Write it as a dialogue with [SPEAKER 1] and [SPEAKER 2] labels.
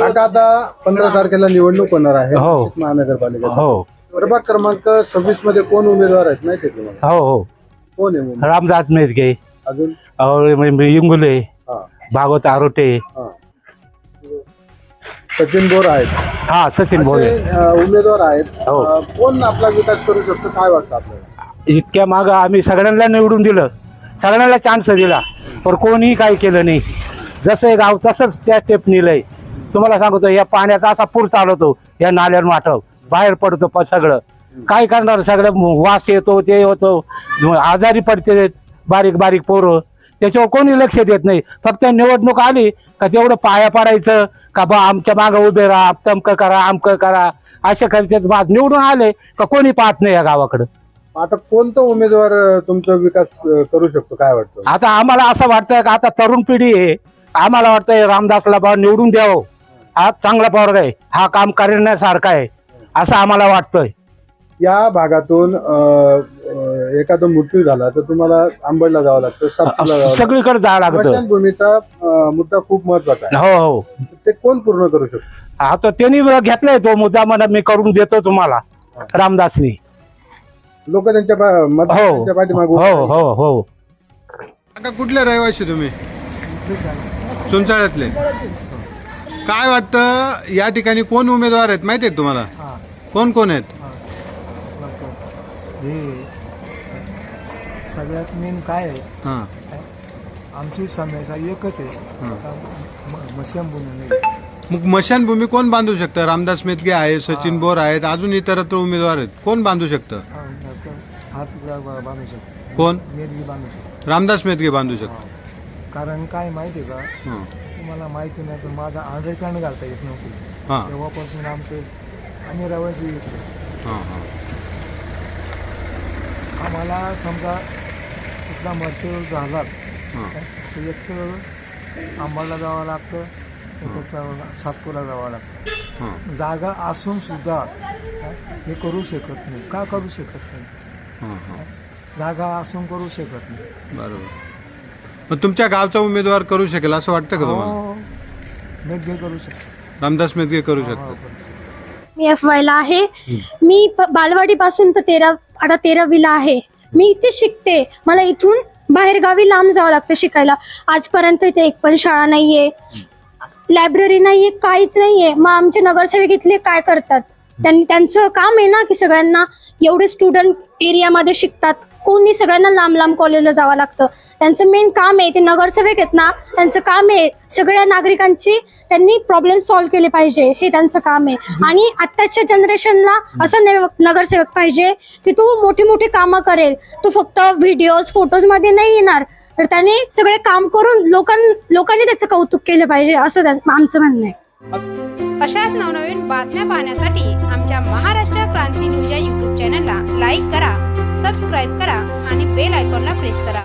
[SPEAKER 1] आता 15 तारखेला निवडणूक होणार आहे
[SPEAKER 2] हो.
[SPEAKER 1] महानगरपालिका
[SPEAKER 2] हो
[SPEAKER 1] प्रभाग क्रमांक 26 मध्ये कोण उमेदवार आहेत माहिती आहे तुम्हाला?
[SPEAKER 2] हो हो
[SPEAKER 1] कोण आहे उमेदवार?
[SPEAKER 2] रामदास मेदगे,
[SPEAKER 1] अजून
[SPEAKER 2] इंगुले,
[SPEAKER 1] हा,
[SPEAKER 2] भागवत आरोटे,
[SPEAKER 1] हा. सचिन बोर आहेत.
[SPEAKER 2] हा सचिन भोले.
[SPEAKER 1] असे, उमेदवार आहेत.
[SPEAKER 2] हो.
[SPEAKER 1] कोण आपला विकास करू शकतो काय वाटतं आपल्याला?
[SPEAKER 2] इतक्या माग आम्ही सगळ्यांना निवडून दिलं, सगळ्यांना चान्स दिला, पण कोणीही काही केलं नाही. जसं हे गाव तसंच त्या स्टेप नेलंय. तुम्हाला सांगतो या पाण्याचा असा पूर चालवतो, या नाल्यावर माठव बाहेर पडतो सगळं. काय करणार, सगळं वास येतो, ते होतो, आजारी पडते बारीक बारीक पोरं. त्याच्यावर कोणी लक्ष देत नाही. फक्त निवडणूक आली का तेवढं पाया पडायचं का बा आमच्या मागं उभे राहा, तमकं करा, आमकं करा, असे करतात. बाद निवडून आले का कोणी पाहत नाही या गावाकडं.
[SPEAKER 1] आता कोणता उमेदवार तुमचा विकास करू शकतो काय वाटतं?
[SPEAKER 2] आता आम्हाला असं वाटतं का आता तरुण पिढी आहे, आम्हाला वाटतंय रामदासला बा निवडून द्यावं. हा चांगला पोरगा आहे, हा काम करण्यासारखा आहे असं आम्हाला वाटतंय.
[SPEAKER 1] या भागातून एखादा मृत्यू झाला तर तुम्हाला आंबडला जावं लागतं, सातपूरला जावं लागतं.
[SPEAKER 2] सगळीकडे जावं लागतं.
[SPEAKER 1] स्मशानभूमीचा मुद्दा खूप महत्वाचा आहे.
[SPEAKER 2] हो हो.
[SPEAKER 1] ते कोण पूर्ण करू शकतो?
[SPEAKER 2] आता त्यांनी घेतलाय तो मुद्दा, म्हणा मी करून देतो तुम्हाला. रामदासनी
[SPEAKER 1] लोक त्यांच्या पाठीमागे उभे
[SPEAKER 2] हो हो हो.
[SPEAKER 1] काका कुठले रहिवासी तुम्ही? सुंचाळ्यातले. काय वाटतं या ठिकाणी कोण उमेदवार आहेत माहिती आहे तुम्हाला? कोण कोण आहेत?
[SPEAKER 3] हे सगळ्यात मेन काय आहे,
[SPEAKER 1] हां
[SPEAKER 3] आमची समस्या एकच आहे, मशानभूमी.
[SPEAKER 1] मग मशानभूमी कोण बांधू शकतं? रामदास मेदगे आहे, सचिन बोर आहेत, अजून इतरत्र उमेदवार आहेत. कोण बांधू शकतं?
[SPEAKER 3] हात बांधू शकतो.
[SPEAKER 1] कोण?
[SPEAKER 3] मेदगी बांधू शकतो.
[SPEAKER 1] रामदास मेदगे बांधू शकतो.
[SPEAKER 3] कारण काय माहिती आहे का,
[SPEAKER 1] हां
[SPEAKER 3] तुम्हाला माहिती नसेल, माझा अंडरग्राऊंड घालता येत नव्हती.
[SPEAKER 1] हां
[SPEAKER 3] तेव्हापासून आम्ही रहिवासी येतो.
[SPEAKER 1] हां हां
[SPEAKER 3] आम्हाला समजा कुठला मृत्यू झाला
[SPEAKER 1] हां
[SPEAKER 3] तर एक तर आंबाला जावं लागतं, सातपूरला जावं लागतं.
[SPEAKER 1] हां
[SPEAKER 3] जागा असून सुद्धा हे करू शकत नाही. का करू शकत नाही?
[SPEAKER 1] हां हां
[SPEAKER 3] जागा असून करू शकत नाही.
[SPEAKER 1] बरोबर. मग तुमच्या गावचा उमेदवार करू शकेल असं वाटतं का तुम्हाला?
[SPEAKER 3] हो, मेदगे करू शकतो.
[SPEAKER 1] रामदास मेदगे करू
[SPEAKER 3] हो,
[SPEAKER 1] शकतात.
[SPEAKER 3] करू शकतो.
[SPEAKER 4] मी एफवायला आहे. मी बालवाडी पासून तर आता 13वीला आहे. मी इथे शिकते. मला इथून बाहेर गावी लांब जावं लागतं शिकायला. आजपर्यंत इथे एक पण शाळा नाहीये, लायब्ररी नाहीये, काहीच नाहीये. मग आमचे नगरसेवक इथले काय करतात? त्यांचं काम आहे ना की सगळ्यांना, एवढे स्टुडंट एरियामध्ये शिकतात, कोणी सगळ्यांना लांब लांब कॉलेजला जावं लागतं. त्यांचं मेन काम आहे, ते नगरसेवक आहेत ना, त्यांचं काम आहे सगळ्या नागरिकांची त्यांनी प्रॉब्लेम सॉल्व्ह केले पाहिजे, हे त्यांचं काम आहे. आणि आत्ताच्या जनरेशनला असं नगरसेवक पाहिजे की तो मोठी मोठी कामं करेल, तो फक्त व्हिडिओज फोटोज मध्ये नाही येणार, तर त्याने सगळे काम करून लोकांनी त्याचं कौतुक केलं पाहिजे, असं आमचं म्हणणं आहे.
[SPEAKER 5] अशाच नवनवीन बातम्या पाहण्यासाठी आमच्या महाराष्ट्र क्रांती न्यूज या यूट्यूब चॅनलला लाईक करा, सबस्क्राईब करा आणि बेल आयकॉनला प्रेस करा.